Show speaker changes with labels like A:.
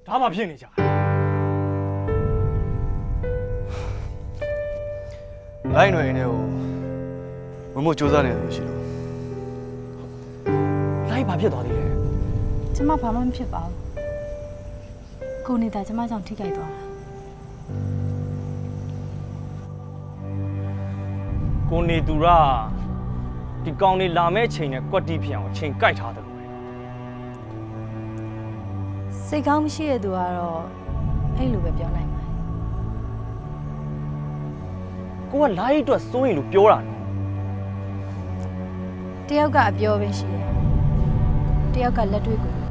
A: ဒါမှဖြစ်နေကြ
B: လိုက်ຫນွေနေကိုမမို့စူးစမ်းနေလို့ရှိလို့
A: လိုက်ဘာဖြစ်သွားသေးလဲ
C: ကျမဘာမှမဖြစ်ပါဘူးကိုနေတာကျမကြောင့်ထိခိုက်သွားတာ
A: ကိုနေသူရဒီကောင်နေလာမဲ့ချိန်နဲ့ကွက်တီးဖြစ်အောင်ချိန်ကြိုက်ထားတယ်လို့ပဲ
C: စိတ်ကောင်းမရှိတဲ့သူကတော့အဲ့လိုပဲပြောနိုင်ပါတယ်
A: ကိုကလိုက်အတွက်စိုးရင်လို့ပြောတာနော်
C: တယောက်ကအပြောပဲရှိတယ်တယောက်ကလက်တွေ့ကို